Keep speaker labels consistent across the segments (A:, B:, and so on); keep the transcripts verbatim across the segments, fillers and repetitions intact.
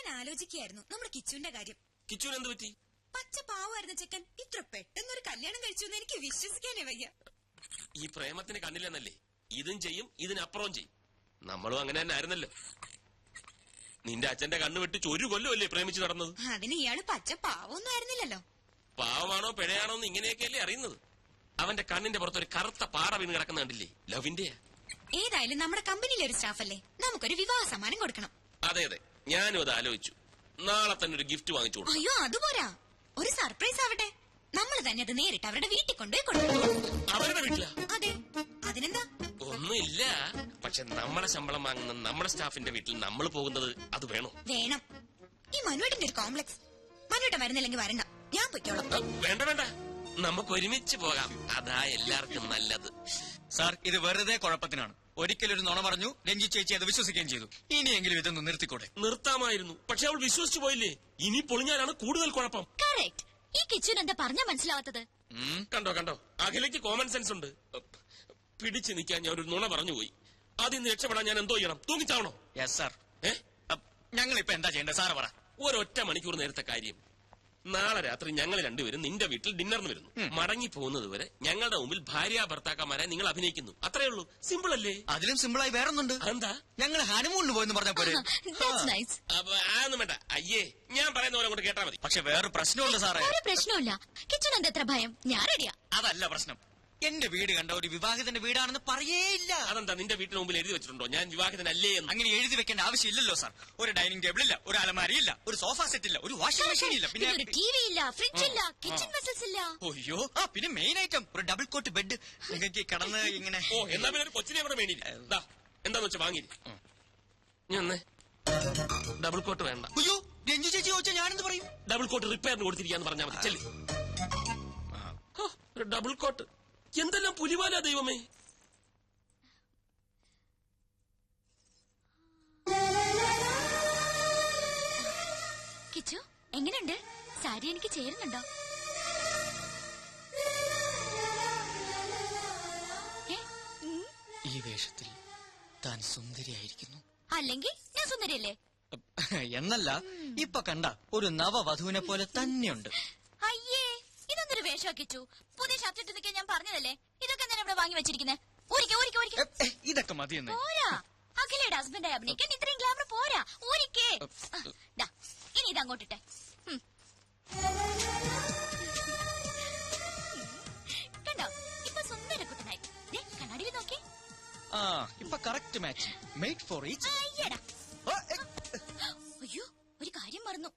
A: ഞാൻ ആലോചിക്കുകയായിരുന്നു നമ്മുടെ കിച്ചുവിന്റെ കാര്യം.
B: കിച്ചുവിന് എന്ത് പറ്റി?
A: പച്ച പാവായിരുന്ന ചെക്കൻ ഇത്ര പെട്ടെന്നൊരു കല്യാണം കഴിച്ചു എന്ന് എനിക്ക് വിശ്വസിക്കാനേ വയ്യ.
B: ഈ പ്രേമത്തിന് കണ്ണില്ലെന്നല്ലേ? ഇതും ചെയ്യും ഇതിനപ്പുറവും ചെയ്യും. നമ്മളും അങ്ങനെ തന്നെ ആയിരുന്നല്ലോ. നിന്റെ അച്ഛന്റെ കണ്ണ് വെട്ടിച്ച് ഒരു കൊല്ലമല്ലേ പ്രേമിച്ച് നടന്നത്?
A: അതിന് ഇയാള് പച്ച പാവൊന്നും ആയിരുന്നില്ലല്ലോ.
B: പാവമാണോ പിഴയാണോ എന്ന് ഇങ്ങനെയൊക്കെയല്ലേ അറിയുന്നത്. അവന്റെ കണ്ണിന്റെ പുറത്ത് ഒരു കറുത്ത പാറ വീണ് കിടക്കുന്ന കണ്ടില്ലേ? ലവിന്റെ.
A: ഏതായാലും നമ്മുടെ കമ്പനിയിലെ ഒരു സ്റ്റാഫല്ലേ, നമുക്കൊരു വിവാഹ സമ്മാനം കൊടുക്കണം.
B: അതെ അതെ, ഞാനും അത് ആലോചിച്ചു. നാളെ തന്നെ ഒരു ഗിഫ്റ്റ് വാങ്ങിച്ചു കൊടുക്കും.
A: അയ്യോ അതുപോരാ, ഒരു സർപ്രൈസ് ആവട്ടെ. നമ്മൾ തന്നെ അത് നേരിട്ട് അവരുടെ വീട്ടിൽ കൊണ്ടുപോയി കൊടുക്കും.
B: അവരുടെ വീട്ടിലാ?
A: അതെ, അതിനെന്താ?
B: ഒന്നുമില്ല, പക്ഷെ നമ്മളെ ശമ്പളം വാങ്ങുന്ന നമ്മുടെ സ്റ്റാഫിന്റെ വീട്ടിൽ നമ്മൾ പോകുന്നത് അത് വേണോ?
A: വേണം. ഈ മനുവേട്ടന്റെ ഒരു കോംപ്ലക്സ്. മനുവേട്ടൻ വരുന്നില്ലെങ്കിൽ വരണ്ട, ഞാൻ പൊയ്ക്കോളാം.
B: വേണ്ട വേണ്ട, നമുക്ക് ഒരുമിച്ച് പോകാം, അതാ എല്ലാവർക്കും നല്ലത്.
C: സാർ, ഇത് വെറുതെ കുഴപ്പത്തിനാണ്. ഒരിക്കലൊരു നുണ പറഞ്ഞു, രഞ്ജി ചേച്ചി അത് വിശ്വസിക്കുകയും ചെയ്തു. ഇനിയെങ്കിലും ഇതൊന്ന് നിർത്തിക്കൂടെ?
B: നിർത്താമായിരുന്നു, പക്ഷെ അവൾ വിശ്വസിച്ചു പോയില്ലേ. ഇനി പൊളിഞ്ഞാലാണ് കൂടുതൽ കുഴപ്പം.
D: കറക്റ്റ്. ഈ കിച്ചുൻ എന്താ പറഞ്ഞ മനസ്സിലാവാത്തത്?
B: കണ്ടോ കണ്ടോ, അഖിലയ്ക്ക് കോമൺ സെൻസ് ഉണ്ട്. പിടിച്ചു നിൽക്കാൻ ഞാൻ ഒരു നുണ പറഞ്ഞുപോയി. അതിൽ നിന്ന് രക്ഷപ്പെടാൻ ഞാൻ എന്തോ ചെയ്യണം? തൂങ്ങിച്ചാവണോ?
C: Yes sir.
B: ഏ,
C: ഞങ്ങൾ ഇപ്പൊ എന്താ ചെയ്യേണ്ടത് സാറ് പറ.
B: ഒരൊറ്റ മണിക്കൂർ നേരത്തെ കാര്യം. നാളെ രാത്രി ഞങ്ങൾ രണ്ടുപേരും നിന്റെ വീട്ടിൽ ഡിന്നറിന് വരുന്നു. മടങ്ങി പോകുന്നത് വരെ ഞങ്ങളുടെ മുമ്പിൽ ഭാര്യ ഭർത്താക്കന്മാരെ നിങ്ങൾ അഭിനയിക്കുന്നു. അത്രേ ഉള്ളൂ. സിമ്പിൾ അല്ലേ?
C: അതിലും സിമ്പിളായി വേറൊന്നുണ്ട്.
B: എന്താ?
C: ഞങ്ങൾ ഹണിമൂണിന് പോയെന്ന് പറഞ്ഞ പോലെ.
B: അതൊന്നും വേണ്ട. അയ്യേ, ഞാൻ പറയുന്ന പോലെ അങ്ങോട്ട് കേട്ടാ മതി.
C: പക്ഷെ വേറെ പ്രശ്നമുണ്ട് സാറേ.
D: ഒരു പ്രശ്നമില്ല. കിച്ചുൻ എന്താ എത്ര ഭയം? ഞാൻ റെഡിയാ.
C: അതല്ല പ്രശ്നം. എന്റെ വീട് കണ്ട ഒരു വിവാഹിതന്റെ വീടാണെന്ന് പറയേയില്ല.
B: അതെന്താ, നിന്റെ വീട്ടിന് മുമ്പിൽ എഴുതി വെച്ചിട്ടുണ്ടോ ഞാൻ വിവാഹിതനല്ലേ എന്ന്?
C: അങ്ങനെ എഴുതി വെക്കേണ്ട ആവശ്യമില്ലല്ലോ സാർ. ഒരു ഡൈനിങ് ടേബിൾ ഇല്ല, ഒരു അലമാരിയില്ല, ഒരു സോഫ സെറ്റ് ഇല്ല, ഒരു വാഷിംഗ് മെഷീൻ ഇല്ല, പിന്നെ
D: ഒരു ടി വി ഇല്ല, ഫ്രിഡ്ജ് ഇല്ല, കിച്ചൺ വെസൽസ് ഇല്ല.
C: അയ്യോ, ആ പിന്നെ മെയിൻ ഐറ്റം ഒരു ഡബിൾ കോട്ട് ബെഡ്. നിങ്ങൾക്ക് കടന്ന് ഇങ്ങനെ.
B: ഓ, എന്നാ പിന്നെ ഒരു കൊച്ചിനെ കൂടെ വേണിയില്ല. എന്താന്ന് വെച്ചാ വാങ്ങി. ഞാൻ ഡബിൾ കോട്ട് വേണ്ട.
C: അയ്യോ, രഞ്ജു ചേച്ചി ചോദിച്ചാൽ ഞാനെന്ത് പറയും?
B: ഡബിൾ കോട്ട് റിപ്പയറിന് കൊടുത്തിരിക്കാന്ന് പറഞ്ഞാൽ മതി. ചെല്ലി. ഒരു ഡബിൾ കോട്ട് എന്തെല്ലാം പുലിവാലാ ദൈവമേ.
D: കിച്ചു എങ്ങനെയുണ്ട്? സാരി എനിക്ക് ചേരുന്നുണ്ടോ?
C: ഈ വേഷത്തിൽ താൻ സുന്ദരിയായിരിക്കുന്നു.
D: അല്ലെങ്കിൽ ഞാൻ സുന്ദരിയല്ലേ?
C: എന്നല്ല, ഇപ്പൊ കണ്ട ഒരു നവവധുവിനെ പോലെ തന്നെയുണ്ട്.
D: അയ്യേ, ഇതൊന്നൊരു വേഷം കിച്ചു. പുതിയ ഷർട്ട് ഇട്ട് നിൽക്കാൻ ഞാൻ പറഞ്ഞതല്ലേ. ഇതൊക്കെ ഞാൻ ഇവിടെ വാങ്ങി വെച്ചിരിക്കുന്നത്. ഊരിക്കെ ഊരിക്കെ ഊരിക്കെ.
C: ഇതൊക്കെ മതിയെന്ന്.
D: പോരാ, അഖിലയുടെ ഹസ്ബൻഡായി അഭിനയിക്കാൻ ഇത്രയും ഗ്ലാമർ പോരാ. ഊരിക്കേ. ഇനി ഇത് അങ്ങോട്ടിട്ടെ. കണ്ടോ, ഇപ്പൊ സുന്ദര കുട്ടനായി. കണ്ണാടിയിൽ നോക്കി.
C: ആ, ഇപ്പൊ correct match. Made for each.
D: അയ്യടാ. അയ്യോ, ഒരു കാര്യം മറന്നു.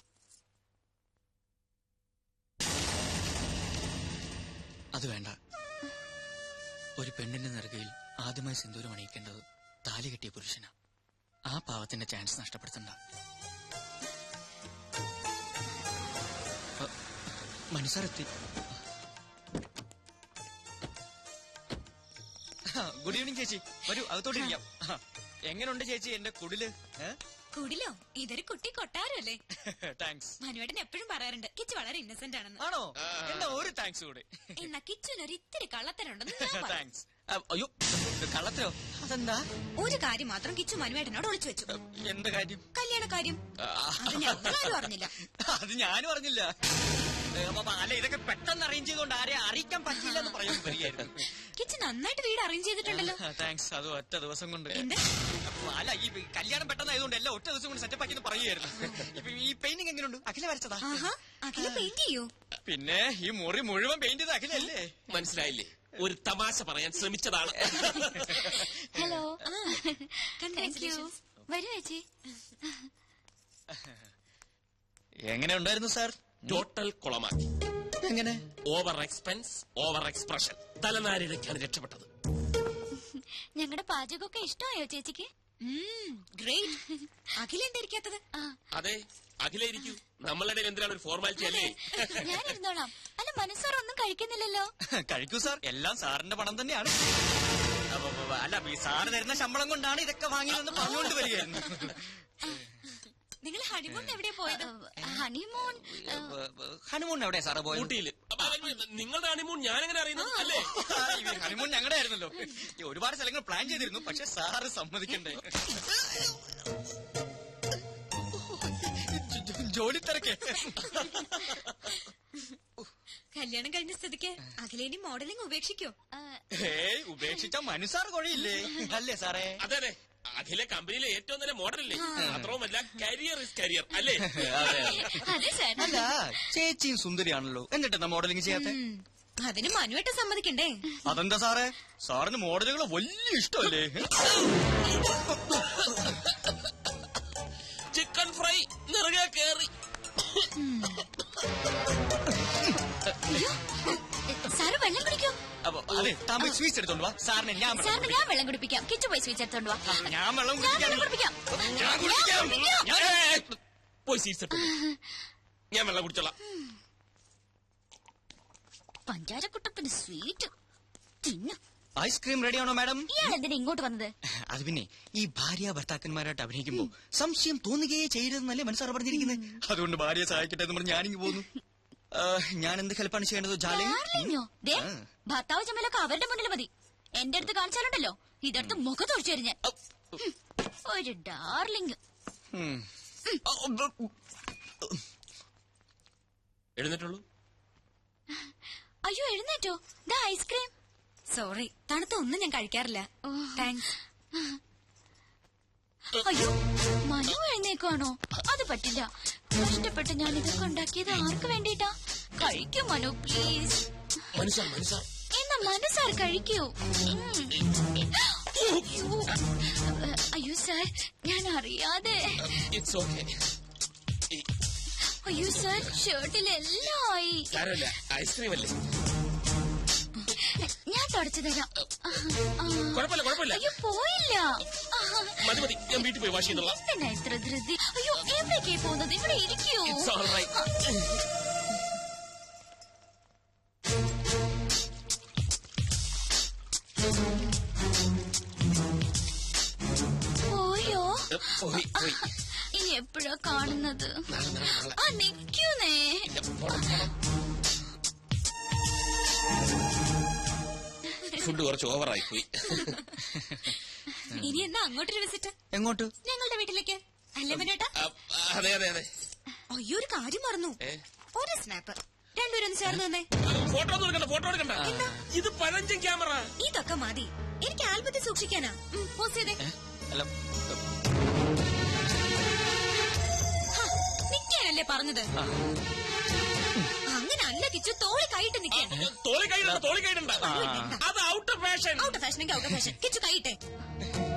C: അത് വേണ്ട. ഒരു പെണ്ണിന്റെ നെറുകയിൽ ആദ്യമായി സിന്ദൂരം അണിയിക്കേണ്ടത് താലി കെട്ടിയ പുരുഷനാ. ആ പാവത്തിന്റെ ചാൻസ് നഷ്ടപ്പെടുത്തണ്ട. മനസ്സറെത്തി. ഗുഡ് ഈവനിങ് ചേച്ചി, വരൂ അകത്തോട്ടിരിക്കാം. എങ്ങനെയുണ്ട് ചേച്ചി എന്റെ കുടില്?
A: കുടിലോ? ഇതൊരു കുട്ടി കൊട്ടാരല്ലേ.
C: താങ്ക്സ്.
A: മനുവേട്ടൻ എപ്പോഴും പറയാറുണ്ട് കിച്ചു വളരെ ഇന്നസെന്റ് ആണെന്ന്.
C: ആണോ? എന്നാ ഒരു താങ്ക്സ് കൂടെ.
A: എന്നാ കിച്ചുനൊരു ഇത്തിരി കള്ളത്തരുണ്ടെന്ന്.
C: താങ്ക്സ്. അയ്യോ, കള്ളത്തരോ? അതെന്താ?
A: ഒരു കാര്യം മാത്രം കിച്ചു മനുവേട്ടനോട് ഒളിച്ചു വെച്ചു.
C: എന്ത് കാര്യം?
A: കല്യാണ കാര്യം. അത് ഞങ്ങളാരും അറിഞ്ഞില്ല.
C: അത് ഞാനും അറിഞ്ഞില്ല. അല്ല, ഇതൊക്കെ പെട്ടെന്ന് അറേഞ്ച് ചെയ്തുകൊണ്ട് ആരെ അറിയിക്കാൻ പറ്റില്ല എന്ന് പറയുന്നത് വരികയായിരുന്നു.
A: കിച്ചു നന്നായിട്ട് വീട് അറേഞ്ച് ചെയ്തിട്ടുണ്ടല്ലോ.
C: താങ്ക്സ്. അത് ഒറ്റ ദിവസം കൊണ്ട്.
A: എന്ത്?
C: അല്ല, ഈ കല്യാണം പെട്ടെന്നായതുകൊണ്ട് എല്ലാം ഒറ്റ ദിവസം കൊണ്ട് സെറ്റപ്പ് ആക്കി പറയുമായിരുന്നു. ഇപ്പൊ ഈ പെയിന്റിംഗ് എങ്ങനെയുണ്ട്? അഖില വരച്ചതാ?
A: അഖില പെയിന്റ് ചെയ്യൂ.
C: പിന്നെ ഈ മുറി മുഴുവൻ പെയിന്റ് ചെയ്ത് അഖിലല്ലേ?
B: മനസ്സിലായില്ലേ? ഒരു തമാശ പറയാൻ ശ്രമിച്ചതാണ്.
D: Hello,
A: congratulations.
D: വരൂ ചേച്ചി.
C: എങ്ങനെ ഉണ്ടായിരുന്നു സാർ?
B: ടോട്ടൽ കുളമാക്കി.
C: എങ്ങനെ?
B: Over expense, over expression. തലനാരിഴയ്ക്കാണ് രക്ഷപ്പെട്ടത്.
D: ഞങ്ങളുടെ പാചകമൊക്കെ ഇഷ്ടമായോ ചേച്ചിക്ക്?
A: ഗ്രേറ്റ്. അഖില എന്തായിരിക്കാത്തത്?
B: അതെ, അഖില ഇരിക്കൂ. നമ്മളുടെ എന്തിനാണ് ഒരു ഫോർമാലിറ്റി അല്ലേ?
D: ഞാൻ ഇരുന്നോളാം. അല്ല, മനസ്സാർ ഒന്നും കഴിക്കുന്നില്ലല്ലോ.
C: കഴിക്കൂ സാർ, എല്ലാം സാറിന്റെ പണം തന്നെയാണ്. അല്ല, ഈ സാറ് തരുന്ന ശമ്പളം കൊണ്ടാണ് ഇതൊക്കെ വാങ്ങിയതെന്ന് പറഞ്ഞുകൊണ്ട് വരികയായിരുന്നു.
A: നിങ്ങൾ ഹണിമൂൺ എവിടെ പോയത്?
D: ഹണിമൂൺ
C: ഹണിമൂൺ എവിടെയാ സാറ് പോയത്?
B: ഊട്ടിയില്. നിങ്ങളുടെ ഹണിമൂൺ ഞാനെങ്ങനെ അറിയുന്നത്? അല്ലേ,
C: ഹണിമൂൺ ഞങ്ങളുടെ ആയിരുന്നല്ലോ. ഒരുപാട് സ്ഥലങ്ങൾ പ്ലാൻ ചെയ്തിരുന്നു, പക്ഷെ സാറ് സമ്മതിക്കണ്ടേ. ജോലി തിരക്ക്.
A: കല്യാണം കഴിഞ്ഞ സ്ഥിതിക്ക് അഖിലേനി മോഡലിംഗ് ഉപേക്ഷിക്കോ?
C: ഏയ് ഉപേക്ഷിച്ച മനുസാർ കൊഴയില്ലേ അല്ലേ സാറേ?
B: അതെ അതെ, അഖിലെ കമ്പനിയിലെ ഏറ്റവും നല്ല മോഡലല്ലേ. മാത്രവുമല്ല കരിയർ ഇസ് കരിയർ അല്ലേ?
D: അതെ സാർ.
C: അല്ല ചേച്ചിയും സുന്ദരിയാണല്ലോ, എന്നിട്ടെന്താ മോഡലിംഗ് ചെയ്യാത്ത?
A: അതിന് മനുവേട്ട സമ്മതിക്കണ്ടേ?
C: അതെന്താ സാറേ, സാറിന് മോഡലുകൾ വലിയ ഇഷ്ടമല്ലേ?
B: ചിക്കൻ ഫ്രൈ നിറകെ കേറി.
D: സാറ് വെള്ളം കുടിക്കോ?
C: അപ്പൊ അതെ, തമിഴ് സ്വീറ്റ്സ് എടുത്തോണ്ട് വാ. സാറിന് ഞാൻ വെള്ളം
D: സാറിന് ഞാൻ വെള്ളം കുടിപ്പിക്കാം. കിച്ചു പോയി സ്വീറ്റ്സ് എടുത്തോണ്ട് വാ.
C: ഞാൻ വെള്ളം
D: ഞാൻ
C: കുടിക്കാൻ
D: വെള്ളം കുടിപ്പിക്കാം.
C: ഞാൻ കുടിക്കാം. ഞാൻ-
B: പോയി സീറ്റ്സ് എടുത്തു. ഞാൻ വെള്ളം കുടിച്ചോളാം.
D: പഞ്ചാരക്കുട്ടപ്പന് സ്വീറ്റ് തിന്നു.
C: ഐസ്ക്രീം റെഡിയാണോ മാഡം?
D: ഇയാൾ എന്തിനാ ഇങ്ങോട്ട് വന്നത്?
C: അത് പിന്നെ ഈ ഭാര്യ ഭർത്താക്കന്മാരായിട്ട് അഭിനയിക്കുമ്പോ സംശയം തോന്നുകയേ ചെയ്യരുതെന്നല്ലേ മനസ്സാറ് പറഞ്ഞിരിക്കുന്നത്. അതുകൊണ്ട് ഭാര്യയെ സഹായിക്കട്ടെ എന്ന് പറഞ്ഞ് ഞാനിങ്ങ് പോന്നു. ഞാൻ എന്ത് ഹെൽപ്പാണ് ചെയ്യേണ്ടത് ജാലിംഗ്?
D: ഡാർലിങ്ങോ? ദേ, ഭർത്താവ് ചമ്മലൊക്കെ അവരുടെ മുന്നിൽ മതി. എന്റെ അടുത്ത് കാണിച്ചാലുണ്ടല്ലോ ഇതെടുത്ത് മുഖത്തൊഴിച്ചു തരും ഞാൻ. ഒരു ഡാർലിംഗ്.
B: എഴുന്നേറ്റുള്ളൂ.
D: അയ്യോ എഴുന്നേറ്റോ? ദാ ഐസ്ക്രീം.
A: സോറി, തണുത്ത ഒന്നും ഞാൻ കഴിക്കാറില്ല. താങ്ക്സ്.
D: അയ്യോ മനു എഴുന്നേക്കാണോ? അത് പറ്റില്ല. കഷ്ടപ്പെട്ട് ഞാൻ ഇതൊക്കെ ഉണ്ടാക്കിയത് ആർക്ക് വേണ്ടിട്ടാ? കഴിക്കൂ മനു പ്ലീസ്.
B: മനസ്സാർ മനസ്സാർ
D: എന്നാ മനസ്സാർ കഴിക്കൂ. അയ്യോ സാർ, ഞാൻ അറിയാതെ.
B: It's okay.
D: അയ്യോ സാർ, ഷർട്ടിലെല്ലാം ആയി.
B: സാരമില്ല, ഐസ്ക്രീം അല്ലേ.
D: ഞാൻ തുടച്ചു തരാം.
B: കുഴപ്പമില്ല കുഴപ്പമില്ല.
D: അയ്യോ പോയില്ല.
B: മതി മതി, ഞാൻ വീട്ടിൽ പോയി വാഷ് ചെയ്യുന്നുള്ള.
D: എന്തിനാ ഇത്ര ധൃതി? അയ്യോ എവിടേക്കേ പോകുന്നത്? ഇവിടെ ഇരിക്കൂ.
B: It's all right.
D: പോയോ?
B: പോയി പോയി.
D: ഇനി എപ്പോഴാ കാണുന്നത്?
B: നാളെ നാളെ നാളെ.
D: ആ നിക്കൂന്നേ.
B: ഇല്ല, പോണം, പോണം. ഫുഡ് കുറച്ച് ഓവറായി പോയി.
A: ഇനി എന്നാ അങ്ങോട്ടൊരു വിസിറ്റ്?
C: എങ്ങോട്ട്?
A: ഞങ്ങളുടെ വീട്ടിലേക്ക് അല്ലേ മനുവേട്ടാ?
B: അതെ അതെ അതെ.
A: അയ്യോ ഒരു കാര്യം മറന്നു.
B: ഏ?
A: ഒരു സ്നാപ്പ്. രണ്ടുപേരും ഒന്ന് ചേർന്ന് തന്നെ.
B: ഫോട്ടോ ഒന്നും എടുക്കണ്ട, ഫോട്ടോ എടുക്കണ്ട. ഇത് പഴഞ്ചൻ ക്യാമറ.
A: ഇതൊക്കെ മതി. എനിക്ക് ആൽബത്തിൽ സൂക്ഷിക്കാനാ. പോസ്റ്റ് ചെയ്തേ.
C: അല്ല
A: നിക്കാനല്ലേ പറഞ്ഞത്? അങ്ങനെ അല്ല കിച്ചു, തോളി കൈയിട്ട് നിക്കാൻ.
B: തോളി കൈയിടണ്ട, തോളി കൈയിടണ്ട. അത് ഔട്ട് ഓഫ് ഫാഷൻ.
A: ഔട്ട് ഫാഷനെങ്കിൽ ഔട്ട് ഫാഷൻ. കിച്ചു കൈയിട്ടെ.